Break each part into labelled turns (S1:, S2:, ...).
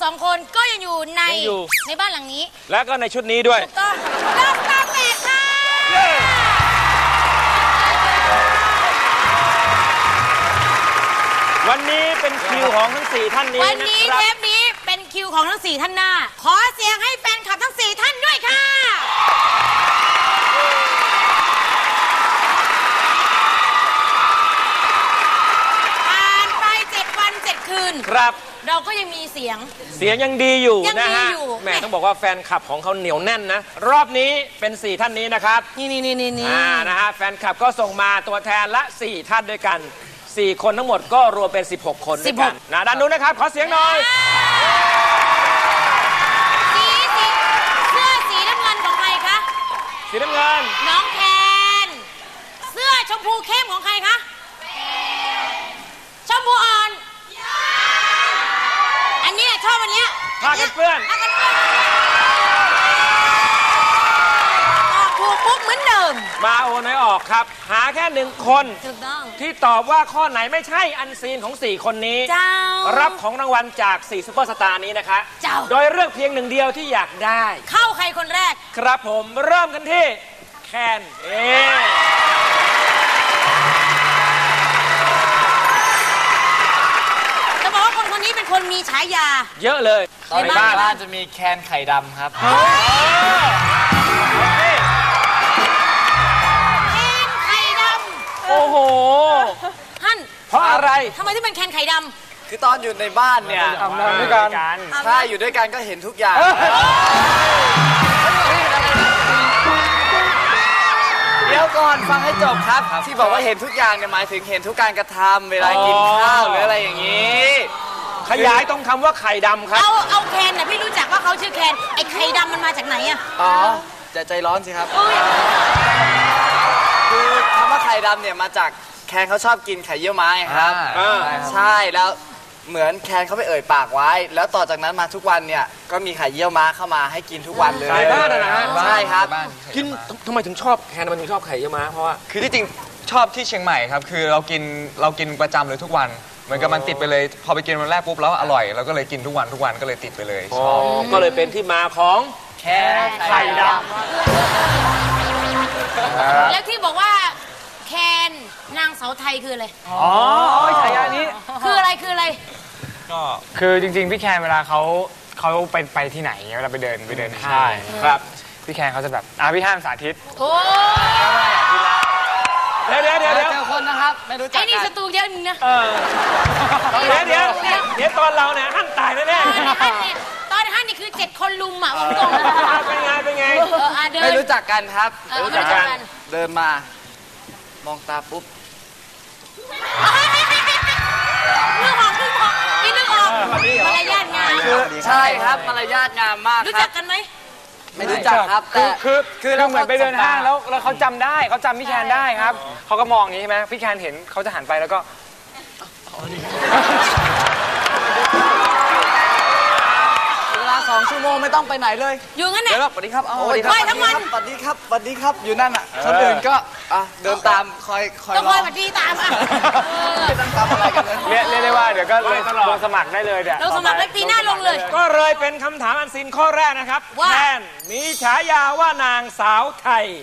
S1: สองคนก็ยังอยู่ในบ้านหลังนี้
S2: แล้วก็ในชุดนี้ด้วย
S1: ถูกต้องดอกตาแปดค่ะ
S2: วันนี้เป็นคิวของทั้ง4ท่านนี้
S1: วันนี้เทปนี้เป็นคิวของทั้ง4ท่านหน้าขอเสียงให้แฟนคลับทั้ง4ท่านด้วยค่ะผ่านไป7 วัน 7 คืน
S2: ครับ
S1: เราก็ยังมีเสียง
S2: ยังดีอยู่นะฮะแม่ต้องบอกว่าแฟนคลับของเขาเหนียวแน่นนะรอบนี้เป็น4ท่านนี้นะครับ
S1: นี่
S2: นะฮะแฟนคลับก็ส่งมาตัวแทนละ4ท่านด้วยกัน4คนทั้งหมดก็รวมเป็น16คนด้วยกันนะด้านนู้นนะครับขอเสียงหน่อย
S1: เสื้อสีน้ำเงินของใครคะ
S2: สีน้ำเงิน
S1: น้องแคนเสื้อชมพูเข้มของใครคะชมพูอ่อนอันนี้ชอบอันนี้
S2: ผ้ากันเปื้อน
S1: ถูกปุ๊บเหมือนเดิม
S2: มาโอนให้ออกครับหาแค่1 คนที่ตอบว่าข้อไหนไม่ใช่อันซีนของ4คนนี้รับของรางวัลจาก4ซุปเปอร์สตาร์นี้นะคะโดยเลือกเพียง1 เดียวที่อยากได้
S1: เข้าใครคนแรก
S2: ครับผมเริ่มกันที่แคน
S1: จะบอกว่าคนนี้เป็นคนมีฉายา
S2: เยอะเลย
S3: ตอนบ้านจะมีแคนไข่ดำครับ
S2: โอ้โห
S1: ฮั่น
S2: เพราะอะไร
S1: ทำไมที่เป็นแคนไข่ดำ
S3: คือตอนอยู่ในบ้านเนี่ย
S2: ทำงานด้วยกัน
S3: ใช่อยู่ด้วยกันก็เห็นทุกอย่างเดี๋ยวก่อนฟังให้จบครับที่บอกว่าเห็นทุกอย่างเนี่ยหมายถึงเห็นทุกการกระทำเวลากินข้าวหรืออะไรอย่างนี้
S2: ขยายตรงคำว่าไข่ดำครับ
S1: เอาแคนน่ะพี่รู้จักว่าเขาชื่อแคนไอ้ไข่ดำมันมาจากไหนอะ
S3: อ๋อใจร้อนสิครับคือคำว่าไข่ดำเนี่ยมาจากแคนเขาชอบกินไข่เยี่ยวม้าครับใช่แล้วเหมือนแคนเขาไปเอ่ยปากไว้แล้วต่อจากนั้นมาทุกวันเนี่ยก็มีไข่เยี่ยวม้าเข้ามาให้กินทุกวันเลย
S2: ใช่บ้านนะฮะ
S3: ใช่ครับ
S2: กินทำไมถึงชอบแคนมันถึงชอบไข่เยี่ยวม้าเพราะว่า
S4: คือที่จริงชอบที่เชียงใหม่ครับคือเรากินประจำเลยทุกวันเหมือนกับมันติดไปเลยพอไปกินวันแรกปุ๊บแล้วอร่อยเราก็เลยกินทุกวันก็เลยติดไปเลยชอบ
S2: ก็เลยเป็นที่มาของ
S3: แคนไข่ดำ
S1: แล้วที่บอกว่าแคนนางเสาไทยคืออะไร
S2: อ๋อฉายานี้
S1: คืออะไร
S4: ก็คือจริงๆพี่แคนเวลาเขาไปที่ไหนเวลาไปเดินห้าง
S2: ครับ
S4: พี่แคนเขาจะแบบพี่ห้ามสาธิต
S1: โอ้
S2: เดี๋ยว
S3: เจอคนนะครับไม่รู้จักไอ้
S1: นี่สตูเยอะนึงนะ
S2: เดี๋ยวตอนเราเนี่ยหั่นตายแน่
S1: ตอนหั่นนี่คือ7 คนลุมอ่ะผมตรง
S2: เป็นไง
S3: ไม่รู้จักกันครับรู้จักกันเดินมามองตาปุ๊บ
S1: นึกออกมารยาทงาม
S3: ใช่ครับมารยาทงามมาก
S1: รู้จักกันไหม
S3: ไม่รู้จักครับแต่
S4: คือเราเหมือนไปเดินห้างแล้วเขาจำได้เขาจำพี่แคนได้ครับเขาก็มองอย่างนี้ใช่ไหมพี่แคนเห็นเขาจะหันไปแล้วก็
S3: เวลา2 ชั่วโมงไม่ต้องไปไหนเลย
S1: อยู่งั้นเนี่ย
S3: สวัสดีครับ
S1: คอยทั้งวัน
S3: สวัสดีครับอยู่นั่นอ่ะคนอื่นก็เดินตามคอย
S1: ต้องคอยมาดีตาม
S3: ไม่ต้องทำอะไรกันเลย
S4: เรียกได้ว่าเดี๋ยวก็ลงสมัครได้เลยเดี๋ยว
S1: ลงสมัครได้ปีหน้าลงเลย
S2: ก็เลยเป็นคำถามอันซีนข้อแรกนะครับแคนมีฉายาว่านางสาวไทย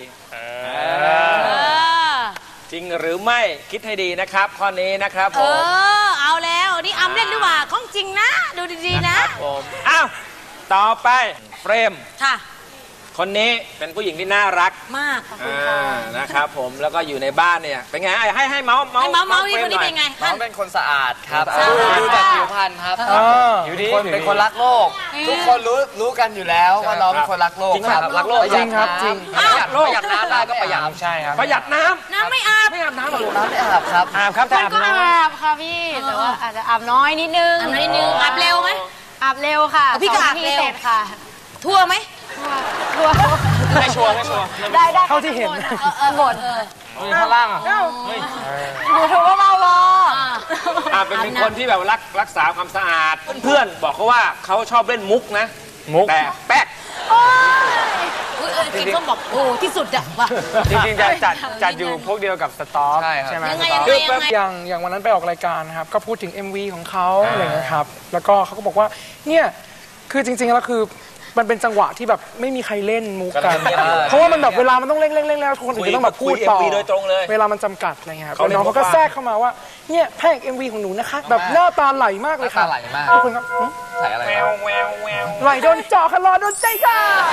S2: จริงหรือไม่คิดให้ดีนะครับข้อนี้นะครับผม
S1: เอาแล้วนี่อำเล่นหรือว่าของจริงนะดูดีๆนะ
S2: ผมอ้าวต่อไปเฟรม
S1: ค่ะ
S2: คนนี้เป็นผู้หญิงที่น่ารัก
S1: มาก
S2: นะครับผมแล้วก็อยู่ในบ้านเนี่ยเป็นไงให้เมาส์
S1: นี่คนนี้เป็นไง
S3: น้องเป็นคนสะอาดครับดูจากผิวพรรณครับ
S4: อยู่ดี
S3: เป็นคนรักโลกทุกคนรู้กันอยู่แล้วว่าน้องเป็นคนรักโลก
S2: ครับรักโลก
S4: จริงครับจริง
S3: ประหยัดน้ำได้ก็ประหยัด
S4: ใช่ครับ
S2: ประหยัดน้
S1: ำไม่อาบ
S3: น้ำหรอน้ำไม่อาบครับ
S4: แต่อาบน้
S5: ำอาบค่ะพี่แต่ว่าอาจจะอาบน้อยนิดนึง
S1: อาบเร็วไหม
S5: อาบเร็วค่ะ
S1: พี่ก็อาบเร็ว
S5: ค่ะ
S1: ทั่วไหม
S5: ทั่ว
S4: ไม่ชัวร์
S5: ได้
S4: เท่าที่เห็น
S5: หมด
S4: ข้างล่าง
S5: ดูถูกว่าเรา
S2: เป็นคนที่แบบรักษาความสะอาดเพื่อนบอกเขาว่าเขาชอบเล่นมุกนะแต่แป๊ก
S1: กินส้มบอกโอ้ที่สุดอะว่ะ
S6: จริงๆจะจัดอยู่พวกเดียวกับสต็อก
S4: ใช่ครับ
S6: ใช่ไหม
S1: ยังไง
S6: สต็อก
S1: ยังไง
S7: อย่างวันนั้นไปออกรายการนะครับก็พูดถึง MV ของเขาอะไรอย่างเงี้ยครับแล้วก็เขาก็บอกว่าเนี่ยคือจริงๆแล้วคือมันเป็นจังหวะที่แบบไม่มีใครเล่นมุกกัน เพราะว่ามันแบบเวลามันต้องเร่งแล้วคนอื่นจะต้องแบบพูดต่อ
S2: คุย MV โดยตรงเลย
S7: เวลามันจำกัดอะไรเงี้ยครับ
S2: เขาเลย
S7: น้องเขาก็
S2: บอกว่า
S7: แทรกเข้ามาว่าเนี่ยแพร่ MV ของหนูนะคะแบบหน้าตาไหลมากเลยค่ะ
S4: หน้าตาไหลมาก
S7: ทุกคนครับหึ
S4: ใส่อะไร
S2: แว
S4: ครับ
S2: วแววแวว
S7: ไหลโดนเจาะค่ะรอโดนใจค่ะ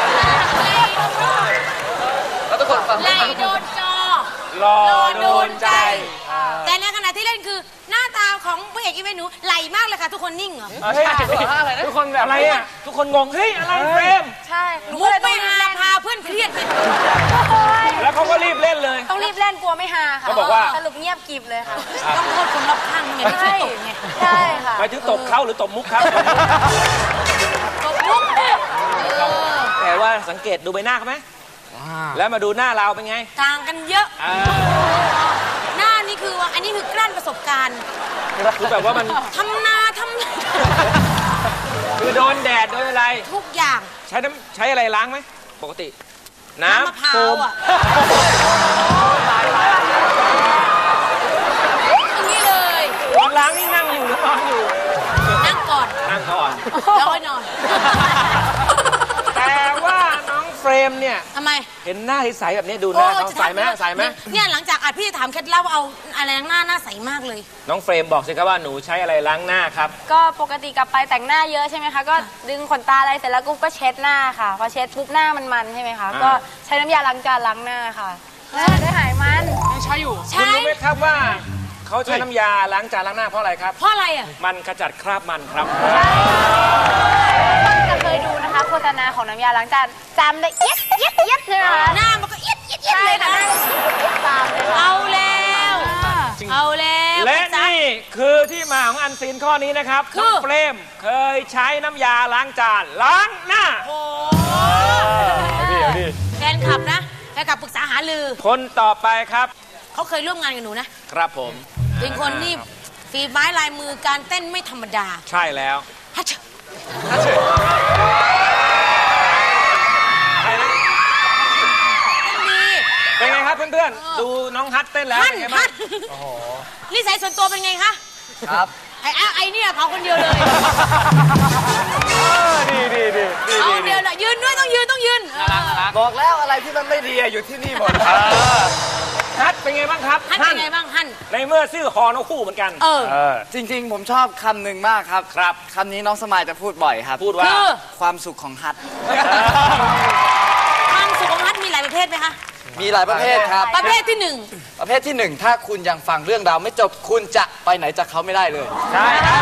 S4: แล้วทุกคนฟัง
S1: ไหลโดนจอ
S2: รอ
S1: โดนใจ แต่ในขณะที่เล่นคือหน้าตาของพระเอกอีเวนต์หนูไหลมากเลยค่ะทุกคนนิ่งเหรอ
S6: ทุกคนแบบ
S2: อะไรอ่ะทุกคนงงเฮ้ยอะไรเฟรม
S5: ใช่หนู
S1: มุ
S5: ก็
S1: ก
S5: เลยต้
S1: ไม่
S5: องรีบ
S1: ฮา
S5: เล่น
S1: พาเพื่อนเครียดเลย
S2: แล้วเขาก็รีบเล่นเลย
S5: ต้องรีบเล่นกลัวไม่ฮาค่ะ
S2: เขาบอกว่า
S5: สรุปเงียบกริบเลยค่ะ
S1: ต้องโทษคนรอบข้างไงไม่ใช่ตกไง
S5: ใช่ค่ะ
S2: หมายถึงตบเขาหรือตบมุกครับ
S1: ตบมุก
S2: แต่ว่าสังเกตดูใบหน้าเขาไหมแล้วมาดูหน้าเราเป็นไง
S1: ต่างกันเยอะ หน้านี่คือว่าอันนี้คือกลั้นประสบการณ์
S2: คือแบบว่ามัน
S1: ทำนาทำนา
S2: คือโดนแดดโดนอะไร
S1: ทุกอย่าง
S2: ใช้อะไรล้างไหมปกติ น้ำ
S1: น้ำมะพร้าวอ่ะอย่างนี้เลย
S2: ตอนล้างนี่นั่งอยู่หรือนอนอยู่
S1: นั่งก่อน
S2: นั่งก่อน
S1: แล้วค่อยนอน
S2: แต่ว่าน้องเฟรมเนี่ย
S1: ทำไม
S2: เห็นหน้าใสๆแบบนี้ดูหน้าเขาใสไหมใสไหม
S1: เนี่ยหลังจากอัดพี่จะถามเคล็ดลับว่าเอาอะไรล้างหน้าใสมากเลย
S2: น้องเฟรมบอกสิครับว่าหนูใช้อะไรล้างหน้าครับ
S5: ก็ปกติกลับไปแต่งหน้าเยอะใช่ไหมคะ ก็ดึงขนตาอะไรเสร็จแล้วก็เช็ดหน้าค่ะ พอเช็ดปุ๊บหน้ามันใช่ไหมคะ ก็ใช้น้ำยาล้างจานล้างหน้าค่ะหน้าได้หายมัน
S1: ใช่
S2: คุณรู้ไหมครับว่าเขาใช้น้ำยาล้างจานล้างหน้าเพราะอะไรครับ
S1: เพราะอะไรอ่ะ
S2: มันขจัดคราบมันครับ
S5: จะเคยดูนะคะโฆษณาของน้ำยาล้างจานจำได้เอี๊ยดใช่ไหมคะ
S1: หน้ามันก็เอียดเอียด
S5: ใช่
S1: เลย
S5: ค่ะ
S1: นะ
S5: ตามเลยค่ะ
S1: เอาแล้ว เอาแล้ว
S2: และนี่คือที่มาของอันซีนข้อนี้นะครับ
S1: คือ
S2: น้องเฟรมเคยใช้น้ำยาล้างจานล้างหน้า
S1: โอ้แฟนคลับนะแฟนคลับปรึกษาหารือ
S2: คนต่อไปครับ
S1: เขาเคยร่วมงานกับหนูนะ
S2: ครับผม
S1: เป็นคนที่ฝีไม้ลายมือการเต้นไม่ธรรมดา
S2: ใช่แล้ว
S1: ฮัช
S2: ใครนะ
S1: ดี
S2: เป็นไงครับเพื่อนๆ ดูน้องฮัทเต้นแล้ว
S1: ฮั่น
S2: เป็นไง
S1: ฮั่
S2: บ้าง
S1: นนิสัยส่วนตัวเป็นไงคะ
S3: ครับ
S1: ไอ้เนี่ยเผาคนเดียวเลย
S6: ดี
S1: เอาคนเดียวเลยยืนด้วยต้องยืนเออ
S3: บอกแล้วอะไรที่มันไม่ดีอะอยู่ที่นี่หมด
S2: ฮัทเป็นไงบ้างครับ
S1: ฮั่นเป็นไงบ้างฮั่น
S2: ในเมื่อชื่อฮอนกคู่เหมือนกัน
S1: เออ
S3: จริงๆ ผมชอบคำหนึ่งมากครับ
S2: ครับ
S3: คำนี้น้องสมายจะพูดบ่อยครับ
S2: พูดว่า
S1: คือ
S3: ความสุขของฮัท
S1: ความสุขของฮั่นมีหลายประเภทไหมคะ
S3: มีหลายประเภทครับ
S1: ประเภทที่หนึ่ง
S3: ประเภทที่หนึ่งถ้าคุณยังฟังเรื่องราวไม่จบคุณจะไปไหนจากเขาไม่ได้เลย
S2: ใช่ครับ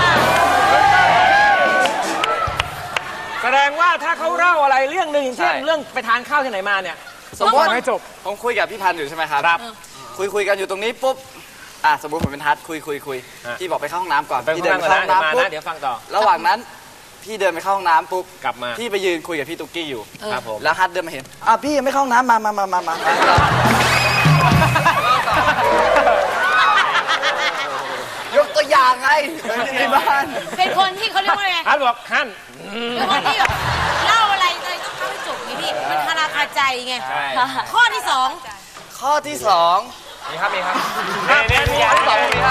S2: แสดงว่าถ้าเขาเล่าอะไรเรื่องหนึ่งอย่างเช่น
S3: ใช่
S2: เรื่องไปทานข้าวที่ไหนมาเนี่ย
S3: สมมติ
S7: ไม่จบ
S3: ผมคุยกับพี่พันธ์อยู่ใช่ไหมครับ
S2: ครับ
S3: คุยกันอยู่ตรงนี้ปุ๊บสมมติผมเป็นฮัทคุย
S2: ฮะ
S3: พี่บอกไปเข้าห้องน้ำก่อน
S2: ไป
S3: พี่
S2: เดิ
S3: เดิ
S2: น
S3: น
S2: ไป
S3: ไปเข้าห้อง
S2: มา
S3: น้ำปุ๊บ
S2: นะเดี๋ยวฟังต่อ
S3: ระหว่างนั้นพี่เดินไปเข้าห้องน้ำปุ๊บ
S2: กลับมา
S3: พี่ไปยืนคุยกับพี่ตุ๊กกี้อยู่
S2: ครับผม
S3: แล้วฮัทเดินมาเห็นพี่ยังไม่เข้าห้องน้ำมา ยกตัวอย่างไงในบ้าน
S1: เป็นคนที่เขาเรียกว่าไง
S2: ฮัทบอกฮั่น
S1: เป็นคนที่แบบเล่าอะไรเลยต้องเข้าให้จบไงพี่มันคาราคาใจไง
S2: ใช่
S1: ข้อที่สอง
S3: ข้อที่สอง
S4: มีครับ
S3: ข้อที่สองมีครับ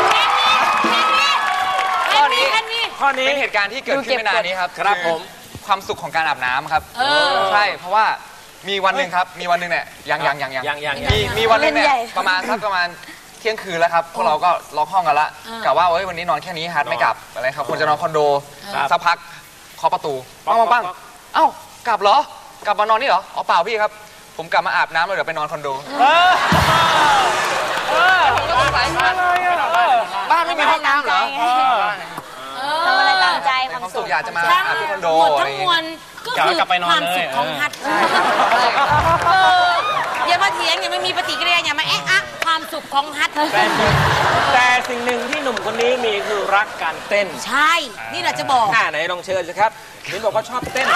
S1: ข้อนี้
S2: ข้อนี้
S4: เป็นเหตุการณ์ที่เกิดขึ้นไม่นานนี้ครับ
S2: ครับ
S4: อ
S2: ผม
S4: ความสุขของการอาบน้ำครับ ใช่ เพราะว่ามีวันหนึ่งครับมีวันหนึ่งเนี่ยยังมีวันหนึ่งเนี่ยประมาณเที่ยงคืนแล้วครับพวกเราก็ล็อกห้องกันละกะว่าวันนี้นอนแค่นี้ฮัทไม่กลับอะไรครับควรจะนอนคอนโดสักพักเคาะประตูปังเอ้ากลับเหรอกลับมานอนนี่เหรออ๋อเปล่าพี่ครับผมกลับมาอาบน้ำแล้วเดี๋ยวไปนอนคอนโดผมก็สงสัยบ้านไม่มีห้องน้ำเหรอ
S5: ทำอะไรตามใจ
S4: ความสุขอยากจะมา
S1: ทั้ง
S4: อาบที่คอนโด
S1: หมด
S4: อะไร
S1: ทั้ง
S4: อย่าง
S1: มว
S4: เงี้ย
S1: ลก็คือความสุขของฮัทอย่ามาเถียงอย่าไม่มีปฏิกิริยาอย่ามาความสุขของฮัท
S2: แต่สิ่งหนึ่งที่หนุ่มคนนี้มีคือรักการเต้น
S1: ใช่ นี่เราจะบอก
S2: ไหนลองเชิญสิครับเห็นบอกว่าชอบเต้น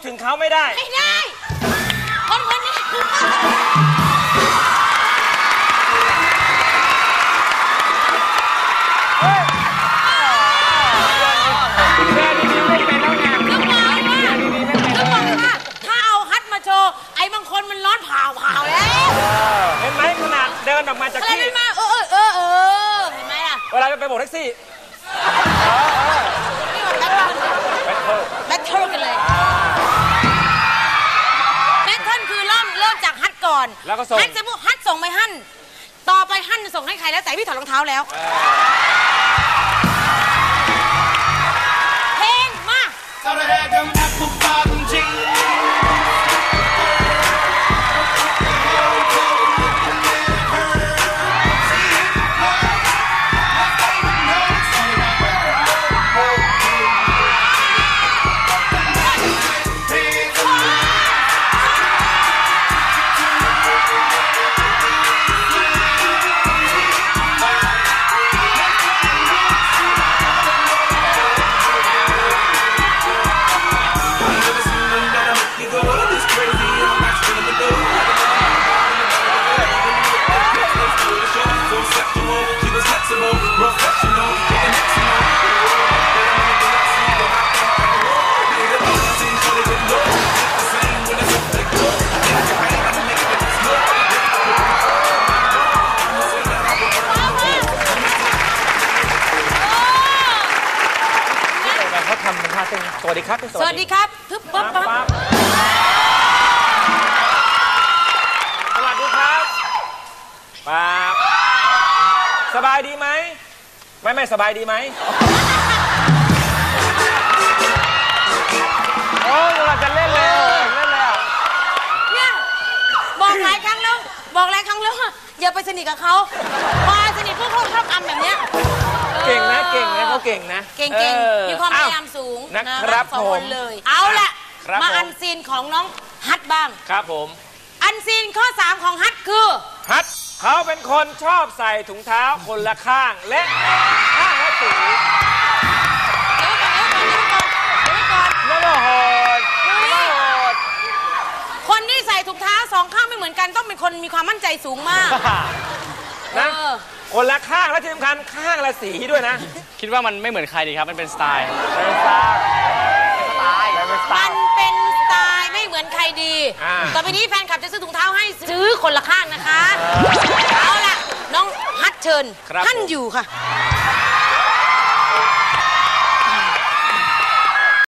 S2: ถึงเขาไม่ได้
S1: ไม่ได้คนคนนี้
S2: แค่ดีๆไม่เป็นแล้วไง
S1: ก็บอกว่าถ้าเอาฮัทมาโชว์ไอ้บางคนมันร้อนเผาแล้ว
S2: เห็นไหมขนาดเดินออกมาจาก
S1: อะไร
S2: ที่
S1: มันมาเห็นไหมล่ะ
S2: เวลาไปโบกแท็กซี่
S1: แบทเทิลกันเลยแบทเทิลคือเริ่มจากฮัทก่อน
S2: แล้วก็ส่ง
S1: ฮัทจะพูดฮัทส่งไปฮั่นต่อไปฮั่นจะส่งให้ใครแล้วแต่พี่ถอดรองเท้าแล้วเพลงมา
S2: เขาทำเป็นท่าเต้นสวัสดีครับ
S1: สวัสดีครับปึ๊บปั๊บปั๊บ
S2: สวัสดีครับปั๊บสบายดีไหมไม่สบายดีไหมโอ้ยเราจะเล่นเลย
S1: เนี่ยบอกหลายครั้งแล้วว่าอย่าไปสนิทกับเขาพอสนิทพวกเขาชอบทำแบบเนี้ย
S2: เก่งนะเขาเก่งนะ
S1: เก่งมีความพยายามสูง
S2: นะครับ
S1: สองคนเลยเอาล่ะมาอันซีนของน้องฮัทบ้าง
S2: ครับผม
S1: อันซีนข้อ 3 ของฮัทคือ
S2: ฮัทเขาเป็นคนชอบใส่ถุงเท้าคนละข้างและข้างละสี
S1: เดี๋ยวก่อน
S2: นั่นโหด
S1: คนที่ใส่ถุงเท้า2 ข้างไม่เหมือนกันต้องเป็นคนมีความมั่นใจสูงมาก
S2: นะคนละข้างและที่สำคัญข้างละสีด้วยนะ
S6: คิดว่ามันไม่เหมือนใครดีครับ มันเป็นสไตล์
S1: มันเป็นสไตล์ไม่เหมือนใครดีต่อไปนี้แฟนคลับจะซื้อถุงเท้าให้ซื้อคนละข้างนะคะเอาล่ะน้องฮัทเชิญท่านอยู่ค่ะ